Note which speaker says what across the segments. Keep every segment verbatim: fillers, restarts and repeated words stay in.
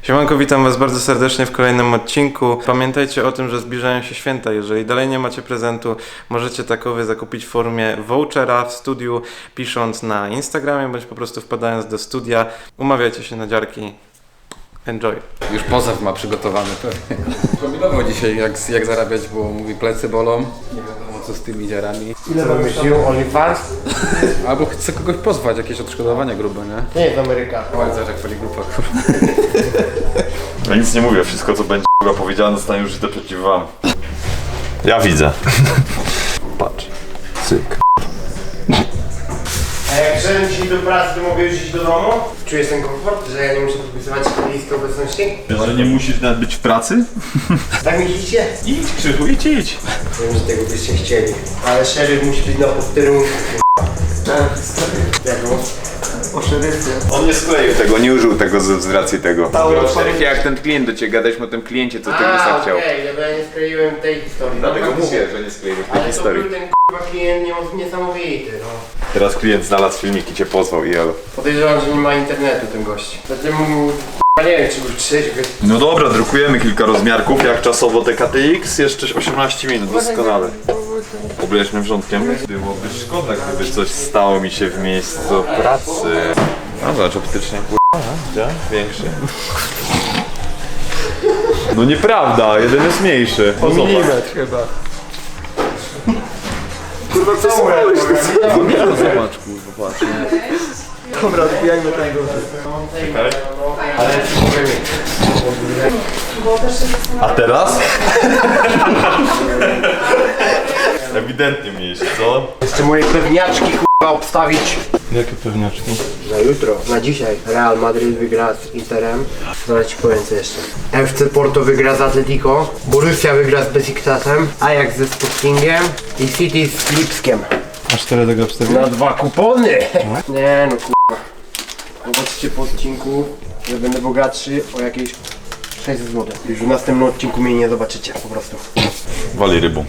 Speaker 1: Siemanko, witam was bardzo serdecznie w kolejnym odcinku. Pamiętajcie o tym, że zbliżają się święta. Jeżeli dalej nie macie prezentu, możecie takowy zakupić w formie vouchera w studiu, pisząc na Instagramie, bądź po prostu wpadając do studia. Umawiajcie się na dziarki. Enjoy.
Speaker 2: Już pozew ma przygotowany pewnie. Kombinował dzisiaj jak, jak zarabiać, bo mówi plecy bolą. Nie wiadomo co z tymi dziarami.
Speaker 3: Ile wymyślił? OnlyFans?
Speaker 2: Albo chce kogoś pozwać, jakieś odszkodowania grube, nie?
Speaker 3: Nie jest Ameryka.
Speaker 2: Oj, zobacz jak pali grupa, kurwa.
Speaker 4: Ja nic nie mówię, wszystko co będzie k***a powiedziane zostanie użyte przeciw wam. Ja widzę. Patrz. Cyk.
Speaker 3: A jak przyjdę dzisiaj do pracy, to mogę już iść do domu? Czujesz ten komfort, że ja nie muszę podpisywać listy obecności?
Speaker 4: Że nie musisz nawet być w pracy?
Speaker 3: Tak myślicie?
Speaker 4: Idź Krzychu, idź, idź.
Speaker 3: Wiem, że tego byście chcieli. Ale szeryf musi być na posterunku. Jaką? O szeryfie.
Speaker 4: On nie skleił tego, nie użył tego z, z racji tego.
Speaker 2: Szeryfie, jak ten klient do ciebie gadaliśmy o tym kliencie, co ty
Speaker 3: A,
Speaker 2: Lisa chciał.
Speaker 3: okej, okay, ja nie skleiłem tej historii.
Speaker 4: Dlatego
Speaker 3: No,
Speaker 4: mówię, że nie skleiłeś tej
Speaker 3: ale to
Speaker 4: historii.
Speaker 3: był ten k***a klient nie- niesamowity, no.
Speaker 4: Teraz klient znalazł filmik i cię pozwał i elo.
Speaker 3: Podejrzewam, że nie ma internetu ten gość. Zatem mu k***a nie wiem, czy już trzeźwy.
Speaker 4: No dobra, drukujemy kilka rozmiarków, jak czasowo te K T X, jeszcze osiemnaście minut, doskonale. Obleżmy wrzątkiem. Byłoby szkoda, gdyby coś stało mi się w miejscu pracy. No zobacz, optycznie k***a, większy. No nieprawda, jeden jest mniejszy. O,
Speaker 3: Milimetr chyba. Kurwa, co mówisz?
Speaker 2: Zobacz, kurwa, patrz.
Speaker 3: Dobra, odbijajmy ten duży. Ale ci powiem.
Speaker 4: A teraz? Ewidentnie mniejszy, co?
Speaker 3: Jeszcze moje pewniaczki k***a obstawić.
Speaker 1: Jakie pewniaczki?
Speaker 3: Na jutro, na dzisiaj. Real Madrid wygra z Interem. Zaraz ci powiem co jeszcze. F C Porto wygra z Atletico. Borussia wygra z Besiktasem. Ajax ze Sportingiem. I City z Lipskiem.
Speaker 1: A cztery tego wstawię?
Speaker 3: Na dwa kupony! Nie no k***a. Zobaczcie po odcinku, że będę bogatszy o jakieś sześćset złotych. Już w następnym odcinku mnie nie zobaczycie po prostu.
Speaker 4: Wali rybą.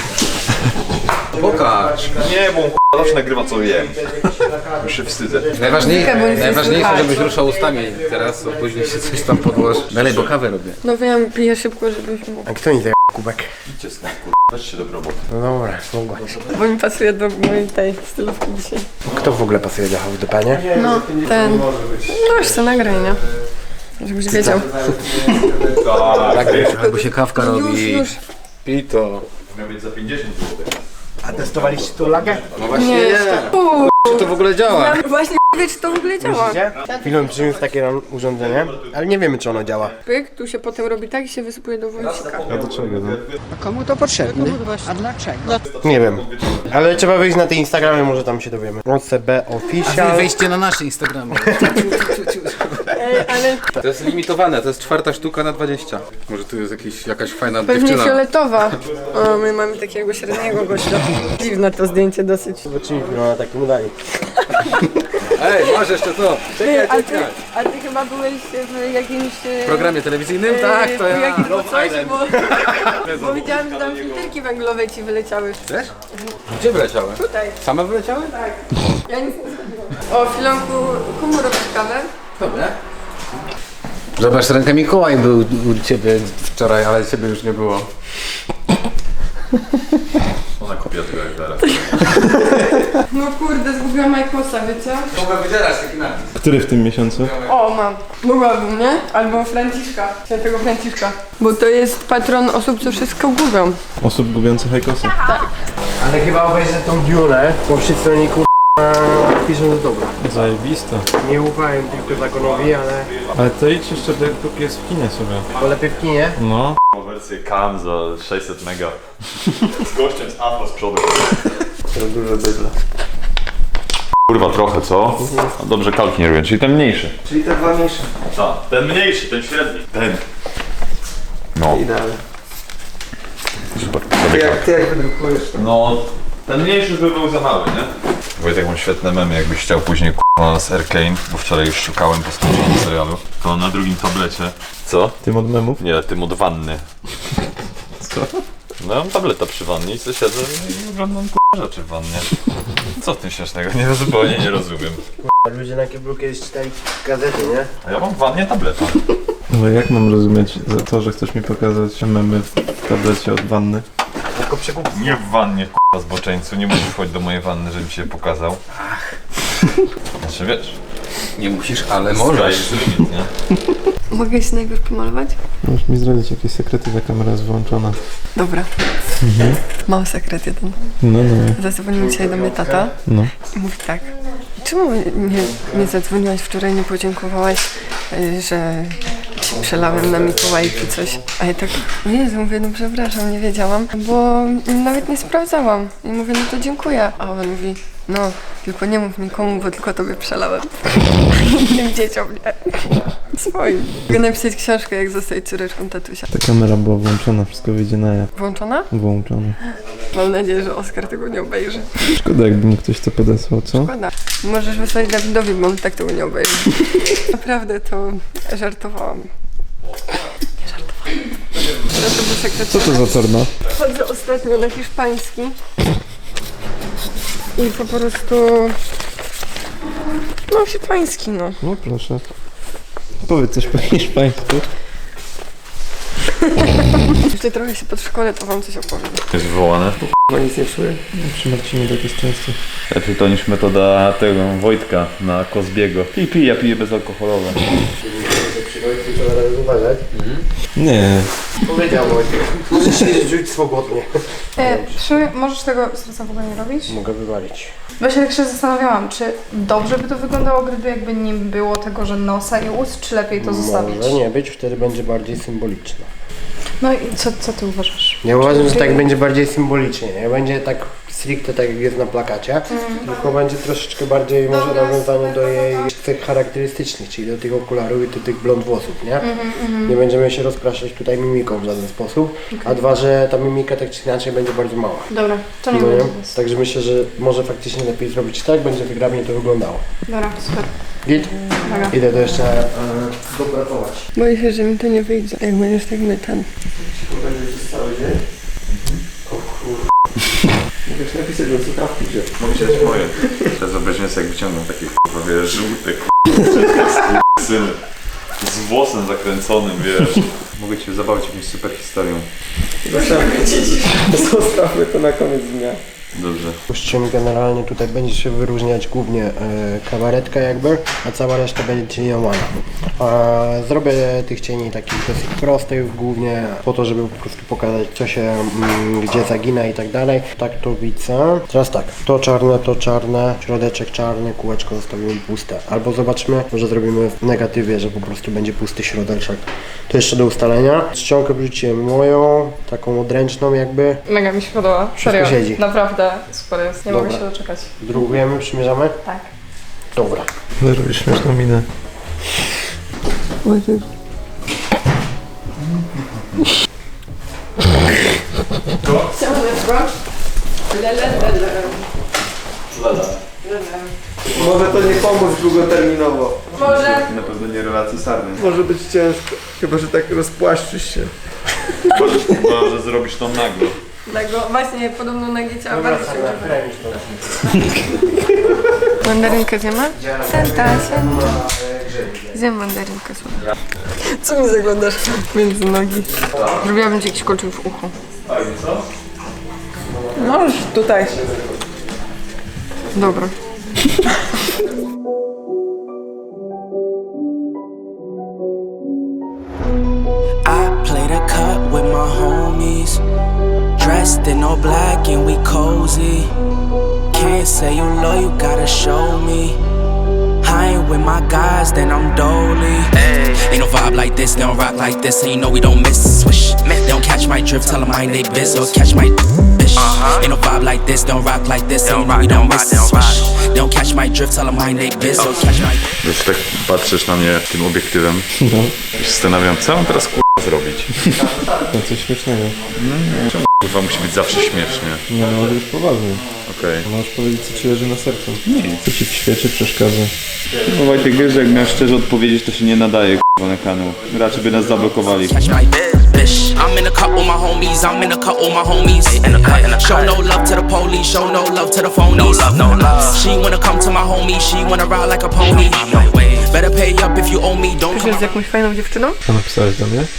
Speaker 2: Pokaż.
Speaker 4: Nie, bo on k***a zawsze nagrywa co jem. Już się wstydzę.
Speaker 2: Najważniejsze, najważniejsze żebyś ruszał ustami teraz, bo później się coś tam podłoży. Dalej, bo kawę robię.
Speaker 5: No wiem, piję szybko, żebyś mógł.
Speaker 3: A kto mi zajęł kubek?
Speaker 4: Idźcie stąd, k***a. Weź się do roboty.
Speaker 3: No dobra, mogłaś.
Speaker 5: Bo mi pasuje do mojej tej stylówki dzisiaj.
Speaker 3: Kto w ogóle pasuje do H D P, nie?
Speaker 5: No, ten... No już co nagraj, nie? Żebyś wiedział.
Speaker 2: Tak, albo się kawka
Speaker 5: Już,
Speaker 2: robi.
Speaker 5: już.
Speaker 2: Pij to.
Speaker 4: Miał być za pięćdziesiąt złotych.
Speaker 3: A testowaliście tu lagę?
Speaker 2: No właśnie
Speaker 5: Nie,
Speaker 2: nie.
Speaker 5: Uuu,
Speaker 2: Czy to w ogóle działa?
Speaker 5: właśnie nie wiem, czy to w ogóle działa.
Speaker 3: Film przyniósł takie nam urządzenie, ale nie wiemy czy ono działa.
Speaker 5: Pyk, tu się potem robi tak i się wysypuje do wąsika.
Speaker 1: A do czego? No?
Speaker 6: Komu to potrzebne? A dlaczego?
Speaker 3: Nie wiem. Ale trzeba wyjść na te Instagramy, może tam się dowiemy. O C B Official.
Speaker 2: Wejście na nasze Instagramy.
Speaker 5: Ej, ale
Speaker 2: To jest limitowane, to jest czwarta sztuka na dwadzieścia. Może tu jest jakiś, jakaś fajna
Speaker 5: pewnie
Speaker 2: dziewczyna.
Speaker 5: fioletowa. O, my mamy takiego średniego gościa. Dziwne to zdjęcie dosyć.
Speaker 3: Zobaczymy film na takim udali.
Speaker 2: Ej, masz jeszcze to.
Speaker 5: Ty, a, ty, a ty chyba byłeś w jakimś... e,
Speaker 2: W programie telewizyjnym?
Speaker 5: e,
Speaker 2: Tak, to
Speaker 5: w
Speaker 2: ja.
Speaker 5: jakimś
Speaker 2: Love
Speaker 5: coś,
Speaker 2: Island.
Speaker 5: bo, bo widziałam, że tam filterki węglowe ci wyleciały.
Speaker 2: Też? Gdzie wyleciały?
Speaker 5: Tutaj.
Speaker 2: Same wyleciały?
Speaker 5: Tak. Ja nic nie zrobiłam. O, Filonku, komu robisz kawę?
Speaker 2: Dobra. Zobacz, ręka Mikołaj był u ciebie wczoraj, ale ciebie już nie było.
Speaker 4: Ona kopia tego jak zaraz.
Speaker 5: No kurde, zgubiłam Majkosa, wiecie?
Speaker 2: Mogę wydzierać taki napis.
Speaker 1: Który w tym miesiącu?
Speaker 5: O, mam. Mogłabym, nie? Albo Franciszka. Świętego Franciszka. Bo to jest patron osób, co wszystko gubią.
Speaker 1: Osób gubiących hajkosy.
Speaker 3: Ale chyba obejrzę tą Dune, bo wszyscy oni kur... piszą do dobra.
Speaker 1: Zajebiste.
Speaker 3: Nie ufałem tylko zakonowi, ale...
Speaker 1: Ale to idź jeszcze, dopóki jest w kinie sobie.
Speaker 3: To lepiej w kinie.
Speaker 1: No.
Speaker 4: Wersję Cam za sześćset mega. Z gościem z Afro z przodu.
Speaker 3: To dużo bydla.
Speaker 4: Kurwa trochę, co? No dobrze kalki nie robię, czyli ten mniejszy.
Speaker 3: Czyli te dwa mniejsze.
Speaker 4: Tak, ten mniejszy, ten średni. Ten. No.
Speaker 3: Idealnie.
Speaker 4: Super.
Speaker 3: Ty jak, ty jak wydrukujesz to?
Speaker 4: No, ten mniejszy by był za mały, nie? Wojtek, mam świetne memy, jakbyś chciał później k***a z Arcane, bo wczoraj już szukałem po skończeniu serialu. To na drugim tablecie. Co?
Speaker 1: Tym od memów?
Speaker 4: Nie, tym od wanny.
Speaker 1: Co?
Speaker 4: No mam tableta przy wannie i sobie siedzę i oglądam k***a rzeczy w wannie. Co w tym śmiesznego? Nie, zupełnie nie rozumiem.
Speaker 3: Ludzie na kiblu kiedyś czytali gazety, nie?
Speaker 4: A ja mam w wannie tableta.
Speaker 1: Ale jak mam rozumieć za to, że chcesz mi pokazać memy w tablecie od wanny?
Speaker 3: Tylko przekup.
Speaker 4: Nie w wannie, k***a zboczeńcu, nie musisz wchodzić do mojej wanny, żebym się pokazał. Ach. Znaczy wiesz,
Speaker 2: Nie musisz, ale
Speaker 4: sky
Speaker 2: możesz.
Speaker 4: is the limit, nie?
Speaker 5: Mogę się najpierw pomalować?
Speaker 1: Możesz mi zdradzić jakieś sekrety, ta kamera jest wyłączona.
Speaker 5: Dobra. Mam sekret jeden.
Speaker 1: No, no,
Speaker 5: Zadzwonił dzisiaj do mnie tata
Speaker 1: no.
Speaker 5: i mówi tak. Czemu nie, nie zadzwoniłaś wczoraj, nie podziękowałaś, y, że ci przelałem na Mikołajki coś? A ja tak, o Jezu, mówię, no przepraszam, nie wiedziałam, bo nawet nie sprawdzałam. I mówię, no to dziękuję. A on mówi, no, tylko nie mów nikomu, bo tylko tobie przelałem. Innym dzieciom, nie. Swoim. Mogę napisać książkę, jak zostać córeczką tatusia.
Speaker 1: Ta kamera była włączona, wszystko wyjdzie na jaw.
Speaker 5: Włączona?
Speaker 1: Włączona.
Speaker 5: Mam nadzieję, że Oskar tego nie obejrzy.
Speaker 1: Szkoda, jakby mi ktoś to podesłał, co?
Speaker 5: Szkoda. Możesz wysłać Dawidowi, bo on tak tego nie obejrzy. Naprawdę to żartowałam. Nie żartowałam. No to był sekret.
Speaker 1: Co to za torna?
Speaker 5: Chodzę ostatnio na hiszpański i po prostu... No hiszpański, no.
Speaker 1: No proszę. Powiedz coś po hiszpańsku.
Speaker 5: Jeszcze trochę się pod szkole, to wam coś opowiem.
Speaker 4: Jest wywołane.
Speaker 3: Chyba nic nie czuję.
Speaker 1: Przy Marcinie tak jest często.
Speaker 7: Lepiej to niż metoda tego Wojtka na Kozbiego. Pij, pij, ja piję bezalkoholowe.
Speaker 3: Przychodzi tylko należy uważać.
Speaker 1: Nie.
Speaker 3: Powiedział Wojtek. Możesz się rzucić swobodnie.
Speaker 8: E, przy, możesz tego serca w ogóle nie robić?
Speaker 3: Mogę wywalić.
Speaker 8: Właśnie tak się zastanawiałam, czy dobrze by to wyglądało, gdyby jakby nie było tego, że nosa i ust, czy lepiej to zostawić?
Speaker 3: Może nie być, wtedy będzie bardziej symboliczne.
Speaker 8: No i co, co ty uważasz?
Speaker 3: Ja uważam, że tak będzie bardziej symbolicznie, nie będzie tak stricte tak jak jest na plakacie, tylko będzie troszeczkę bardziej może nawiązanie do jej cech charakterystycznych, czyli do tych okularów i do tych blond włosów, nie? Nie będziemy się rozpraszać tutaj mimiką w żaden sposób, a dwa, że ta mimika tak czy inaczej będzie bardzo mała.
Speaker 8: Dobra, to nie
Speaker 3: No
Speaker 8: będzie
Speaker 3: nie?
Speaker 8: nic.
Speaker 3: Także myślę, że może faktycznie lepiej zrobić tak, będzie wygrabnie to wyglądało.
Speaker 8: Dobra, super.
Speaker 3: Git?
Speaker 8: Dobra.
Speaker 3: Idę to jeszcze e, dopracować.
Speaker 5: Boję się, że mi to nie wyjdzie, jak będziesz tak mytan.
Speaker 3: Mogę się napisać do słuchawki, że...
Speaker 4: Mogę się dać moje. Teraz wyobraźmy sobie, jak wyciągną takie k***a, wiesz, żółte k***a, syny. Z włosem zakręconym, wiesz.
Speaker 7: Mogę cię zabawić jakąś super historią.
Speaker 3: Zostawmy to na koniec dnia.
Speaker 4: Dobrze.
Speaker 3: Czym generalnie tutaj będzie się wyróżniać głównie e, kabaretka jakby, a cała reszta będzie cieniowana. A zrobię tych cieni takich dosyć prostych głównie po to, żeby po prostu pokazać co się mm, gdzie zagina i tak dalej. Tak to widzę. Teraz tak, to czarne, to czarne, środeczek czarny, kółeczko zostawimy puste. Albo zobaczmy, może zrobimy w negatywie, że po prostu będzie pusty środeczek. To jeszcze do ustalenia. Czcionkę wrzuciłem moją, taką odręczną jakby.
Speaker 8: Mega mi się podoba.
Speaker 3: Wszystko
Speaker 8: Serio.
Speaker 3: siedzi.
Speaker 8: Naprawdę super jest. Nie
Speaker 3: Dobra.
Speaker 8: mogę się doczekać.
Speaker 3: Drugujemy, przymierzamy?
Speaker 8: Tak.
Speaker 3: Dobra.
Speaker 1: Zrobisz śmieszną minę.
Speaker 3: Może to nie pomóc długoterminowo.
Speaker 5: Może.
Speaker 7: Na pewno nie relacji sarny.
Speaker 3: Może być ciężko. Chyba, że tak rozpłaszczysz się.
Speaker 4: Chyba, że zrobisz to nagle.
Speaker 5: Tego, właśnie, podobno na gicie, a bardzo się używa. Mandarynkę zjemy? Senta, senta. Zjem mandarynkę, słuchaj. Co mi zaglądasz między nogi? Zrobiłabym ci jakiś kolczyk w uchu.
Speaker 6: Możesz tutaj.
Speaker 5: Dobra.
Speaker 9: I played a cut with my homies, dressed in all black and we cozy. Can't say you love, you gotta show me. I ain't with my guys, then I'm dolly. Ain't no vibe like this, they don't rock like this, and you know we don't miss. Swish, they don't catch my drift, tell them mind they biz, or catch my bitch. Ain't no vibe like this, they don't rock like this, and you know we don't miss. Swish, they don't catch my drift, tell them mind they biz, or catch my.
Speaker 4: Wiesz, tak patrzysz na mnie tym obiektywem i się zastanawiam, co mam teraz k***a zrobić.
Speaker 1: To coś śmiesznego.
Speaker 4: Czemu k***a musi być zawsze śmiesznie?
Speaker 1: Nie, no ale już poważnie.
Speaker 4: Okej.
Speaker 1: Możesz powiedzieć, co ci leży na sercu. Co ci w świecie przeszkadza.
Speaker 7: No Wojtek, wiesz, że jak miał szczerze odpowiedzieć, to się nie nadaje k***a na kanał. Raczej by nas zablokowali.
Speaker 9: Catch my bitch. I'm in a cut with my homies. I'm in a cut with my homies. Show no love to the police. Show no love to the phonies. No love, no love. She wanna come to my homie. She wanna ride like a pony. Better pay pay up if you owe me. Don't come
Speaker 5: Z jakąś fajną dziewczyną?
Speaker 1: Co napisałeś do mnie?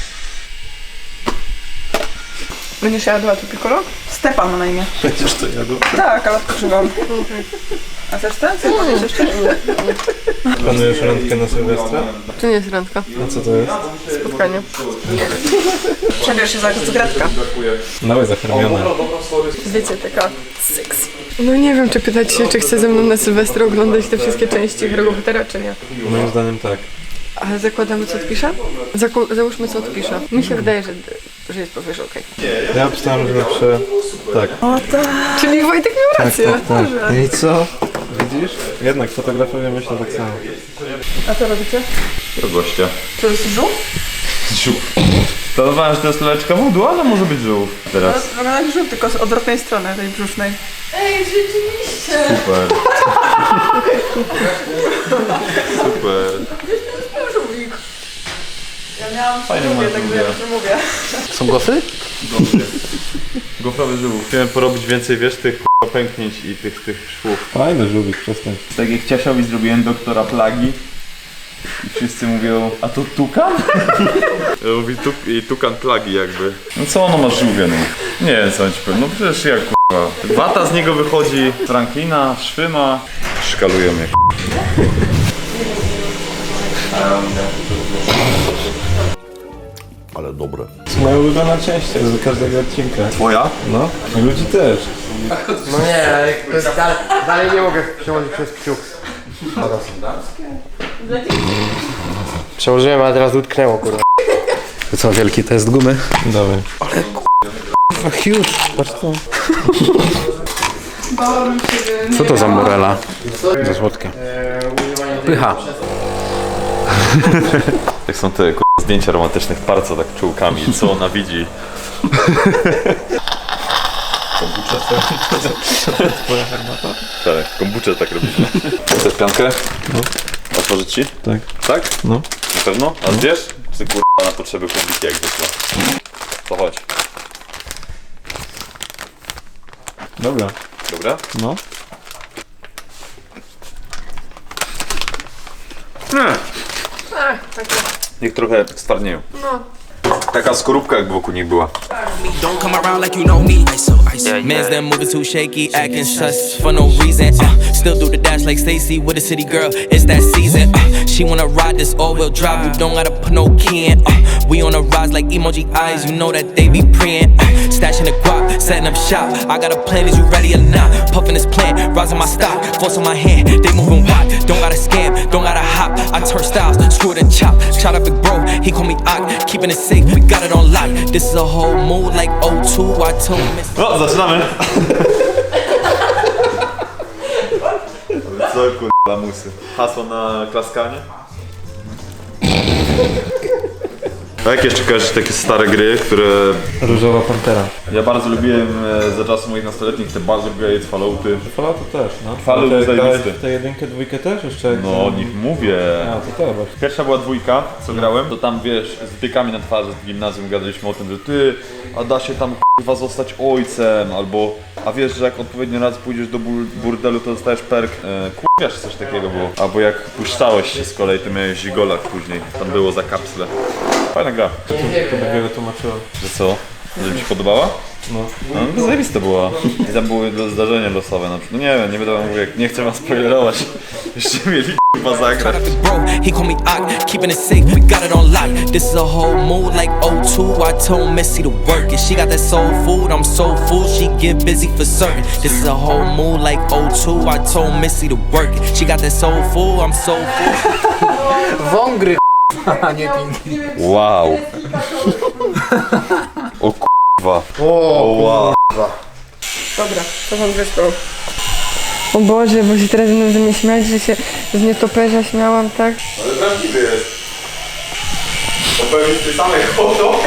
Speaker 8: Będziesz jadła tu piccolo? Stepan ma na imię.
Speaker 1: Będziesz to jadł?
Speaker 8: Tak, ale odkrzywam. A chcesz ten? Co powiesz jeszcze?
Speaker 1: Planujesz randkę na Sylwestra?
Speaker 5: To nie jest randka.
Speaker 1: A co to jest?
Speaker 5: Spotkanie.
Speaker 8: Przebierz się za Gretka.
Speaker 1: Małe zakarmione.
Speaker 5: Wiecie, taka sexy. No nie wiem, czy pytać się, czy chce ze mną na Sylwestra oglądać te wszystkie części Harry'ego Pottera, czy nie.
Speaker 1: Moim zdaniem tak.
Speaker 5: Ale zakładamy, co odpisze? Zaku- załóżmy, co odpisze. Mi się wydaje, że, że jest powiesz okej.
Speaker 1: Ja obstałem, że napiszę tak.
Speaker 5: Czyli Wojtek miał rację. Dobrze.
Speaker 1: I co? Widzisz? Jednak fotografowie myślą tak samo.
Speaker 5: A co robicie?
Speaker 7: Do gościa.
Speaker 8: To jest żółw?
Speaker 7: Żółw. Planowałem, że to jest leczka wodół, ale może być żółw teraz.
Speaker 8: Wygląda jak żółw, tylko z odwrotnej strony, tej brzusznej.
Speaker 5: Ej, rzeczywiście!
Speaker 7: Super. Super.
Speaker 8: Żółwik. Ja miałam
Speaker 7: Fajnie
Speaker 8: żółwie,
Speaker 7: masz
Speaker 8: także
Speaker 7: żółwia.
Speaker 8: już mówię.
Speaker 3: Są gofry?
Speaker 7: Gofrowy żółw. Chciałem porobić więcej, wiesz, tych k***a pęknięć i tych, tych szwów.
Speaker 1: Fajny żółwik, przestań.
Speaker 7: Tak jak Ciasiowi zrobiłem doktora plagi i wszyscy mówią, a to tukan? Ja mówię, tuk i tukan plagi jakby. No co ono ma żółwie, no? Nie wiem co on ci powiem, no przecież jak k***a. Wata z niego wychodzi, Franklina, szwy ma. Szkalują mnie.
Speaker 4: Ale dobre.
Speaker 1: To jest moja ulubiona część z każdego odcinka.
Speaker 4: Twoja?
Speaker 1: No, i ludzi też.
Speaker 3: No nie, ale to jest dalej, dalej nie mogę przełożyć przez kciuk. Przełożyłem, a teraz utknęło, kurwa.
Speaker 2: To co, wielki test gumy?
Speaker 1: Dawaj.
Speaker 3: Huge. Patrz co.
Speaker 8: Bałabym się,
Speaker 2: Co to za morela? Za słodkie. Pycha.
Speaker 4: Jak są te k***a, zdjęcia romantycznych par, co tak czułkami, co ona widzi.
Speaker 1: Twoja herbata?
Speaker 4: Tak, kombuczę tak robimy. Chcesz piankę?
Speaker 1: No.
Speaker 4: Otworzyć ci?
Speaker 1: Tak.
Speaker 4: Tak?
Speaker 1: No.
Speaker 4: Na pewno? A wiesz? Ty k***a na potrzeby publiki jak zwykle. To chodź.
Speaker 1: Dobra.
Speaker 4: Dobra?
Speaker 1: No.
Speaker 4: Niech trochę stwardnieją.
Speaker 5: No.
Speaker 4: Taka skorupka jak wokół nich była.
Speaker 9: Don't come around like you know me. Iso, iso. Man's them moving too shaky, acting sus for no reason. Uh, still do the dash like Stacy with a city girl. It's that season. Uh, she wanna ride this all-wheel drive. You don't gotta put no key in. Uh, we on a rise like emoji eyes. You know that they be preying. Uh, stashing the guap, setting up shop. I got a plan. Is you ready or not? Puffing this plant, rising my stock. Force on my hand, they moving wide. Don't gotta scam, don't gotta hop. I turn styles, screw it and chop. Shout out big bro, he call me Ock. Keeping it safe, we got it on lock. This is a whole mood like O two. I told him it's
Speaker 4: No, zaczynamy! Co kurwa musy? Hasło na klaskanie? A jak jeszcze kojarzysz takie stare gry, które...
Speaker 1: Różowa Pantera.
Speaker 7: Ja bardzo lubiłem e, za czasów moich nastoletnich te Baldur's Gate, Fallouty.
Speaker 1: Falloutu też, no.
Speaker 7: Fallout
Speaker 1: Ale
Speaker 7: jest
Speaker 1: grałeś
Speaker 7: zajebisty.
Speaker 1: w tę jedynkę, dwójkę też jeszcze? jak-
Speaker 7: No o nich mówię.
Speaker 1: A, to też właśnie.
Speaker 7: Pierwsza była dwójka, co grałem, to tam wiesz, z wtykami na twarzy w gimnazjum gadaliśmy o tym, że ty, a da się tam k***wa zostać ojcem, albo a wiesz, że jak odpowiednio raz pójdziesz do bur burdelu, to dostajesz perk, e, k***wiesz, coś takiego było. Albo jak puszczałeś się z kolei, to miałeś zigolach później, tam było za kapsle. Fajna gra.
Speaker 1: To dopiero tłumaczyłem.
Speaker 7: Że co? Że mi się podobała?
Speaker 1: No.
Speaker 7: No, to zajebiste była. I tam były lo- zdarzenia losowe na przykład. No nie wiem, nie będę wam mówił, jak nie chcę was spoilerować. Jeszcze mieli k***wa zagrać.
Speaker 9: Shout out big bro, he call me Ock. Keeping it safe, we got it on lock. This is a whole mood like O two. I told Missy to work it. She got that soul food, I'm soul food. She get busy for certain. This is a whole mood like O two. I told Missy to work it. She got that soul food, I'm soul food.
Speaker 3: Wągry, a nie pinki.
Speaker 4: Wow. O kurwa.
Speaker 3: O,
Speaker 4: wow.
Speaker 5: Dobra, to wam wysłał. O Boże, bo się teraz będą ze mnie śmiać, że się z nietoperza śmiałam, tak?
Speaker 4: Ale prawdziwy jest. To pewnie z tej samej hodo.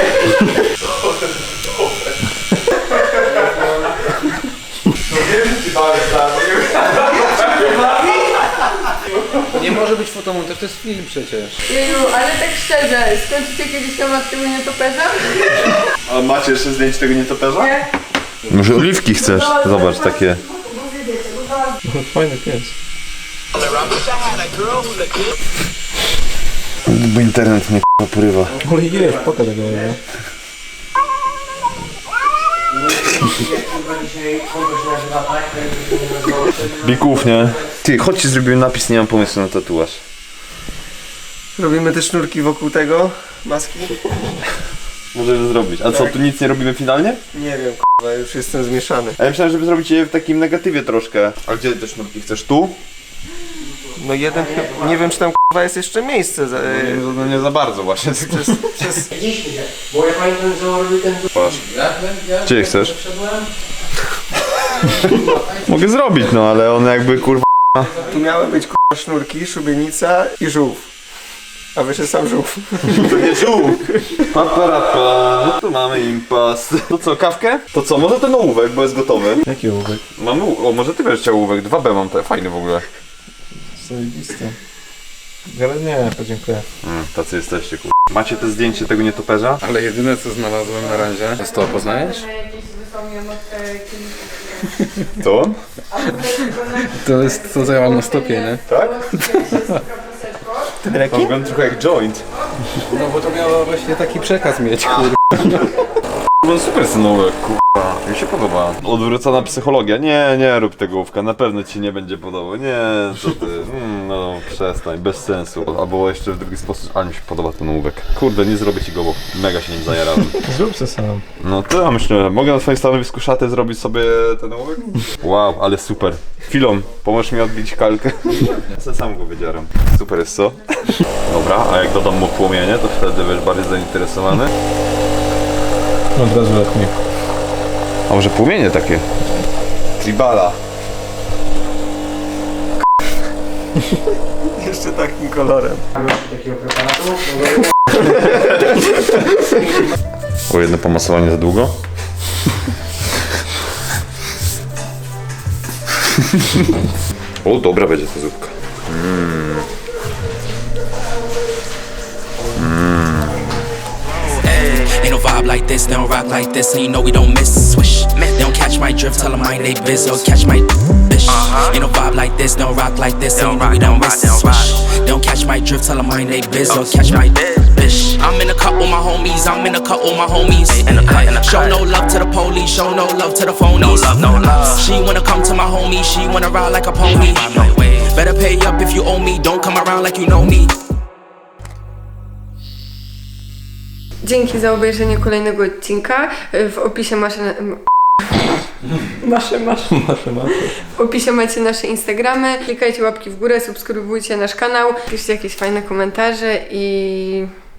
Speaker 4: No wiem, że ci dałeś za
Speaker 2: Nie może być fotomontaż, to jest film przecież.
Speaker 5: Jeju, ale tak szczerze, skończycie kiedyś temat tego nietoperza?
Speaker 4: A macie jeszcze zdjęcie tego nietoperza?
Speaker 5: Nie.
Speaker 4: Może oliwki chcesz? Zobacz, takie.
Speaker 1: Fajny pies.
Speaker 7: Bo internet mnie k***a porywa.
Speaker 1: Ojej, pokaż tego nie.
Speaker 7: Bików, nie? Ty, chodźcie zrobimy napis, nie mam pomysłu na tatuaż.
Speaker 1: Robimy te sznurki wokół tego, maski?
Speaker 7: Możemy zrobić. A co, tu nic nie robimy finalnie?
Speaker 1: Nie wiem, k***a, już jestem zmieszany.
Speaker 7: A ja myślałem, żeby zrobić je w takim negatywie troszkę. A gdzie te sznurki chcesz? Tu?
Speaker 1: No jeden, nie wiem czy tam k***a jest jeszcze miejsce. Za,
Speaker 7: No, no nie za bardzo właśnie.
Speaker 1: przez, przez...
Speaker 3: Widzieliśmy się, bo ja pamiętam, że on robił ten...
Speaker 7: Gdzie chcesz? Mogę zrobić, no ale one jakby kurwa...
Speaker 1: Tu miały być k***a sznurki, szubienica i żółw. A wyszedł sam żółw.
Speaker 7: To nie żółw! Paparapa, no tu mamy impas. To co, kawkę? To co, może ten ołówek, bo jest gotowy.
Speaker 1: Jaki ołówek?
Speaker 7: Mamy, o może ty będziesz chciał ołówek, dwa B mam, te fajny w ogóle.
Speaker 1: Zajebiste. Ale nie, podziękuję.
Speaker 7: Mm, tacy jesteście kur... Macie te zdjęcie tego nietoperza?
Speaker 2: Ale jedyne co znalazłem na razie, to jest to, poznajesz?
Speaker 7: To?
Speaker 2: To jest to, co ja mam na stopie, nie?
Speaker 7: Tak?
Speaker 1: Ten rekin?
Speaker 7: Wygląda trochę jak joint.
Speaker 2: No bo to miało właśnie taki przekaz mieć, kurde.
Speaker 7: No super synówek, kurwa, mi się podoba. Odwrócona psychologia, nie, nie rób tego ołówka, na pewno ci nie będzie podobał, nie, co ty, mm, no przestań, bez sensu. Albo jeszcze w drugi sposób, ale mi się podoba ten ołówek. Kurde, nie zrobię ci go, bo mega się nim zajarałem.
Speaker 1: Zrób se sam.
Speaker 7: No to ja myślę, mogę na twoim stanowisku szaty zrobić sobie ten ołówek? Wow, ale super. Chwilą, pomożesz mi odbić kalkę. Ja sobie sam go wydzieram. Super jest, co? Dobra, a jak dodam mu płomienie, to wtedy będziesz bardziej zainteresowany.
Speaker 1: Od razu lepiej.
Speaker 7: A może płomienie takie? Tribala.
Speaker 1: Jeszcze takim kolorem.
Speaker 3: Takiego preparatu?
Speaker 7: O jedno pomasowanie za długo? O, dobra będzie ta zupka. Mm.
Speaker 9: Ain't no vibe like this, they don't rock like this, and you know we don't miss. Swish, they don't catch my drift, tell them mind they biz, or catch my bitch. Ain't no vibe like this, they don't rock like this, and you know we don't miss. Swish, they don't catch my drift, tell them mind they biz, or catch my bitch. I'm in a cut with my homies, I'm in a cut with my homies. In the cut, in the show no love to the police, show no love to the phonies. No love, no love. She wanna come to my homie, she wanna ride like a pony. Better pay up if you owe me, don't come around like you know me.
Speaker 5: Dzięki za obejrzenie kolejnego odcinka. W opisie masz... Masze, masz.
Speaker 1: Masze, masze.
Speaker 5: W opisie macie nasze Instagramy. Klikajcie łapki w górę, subskrybujcie nasz kanał, piszcie jakieś fajne komentarze i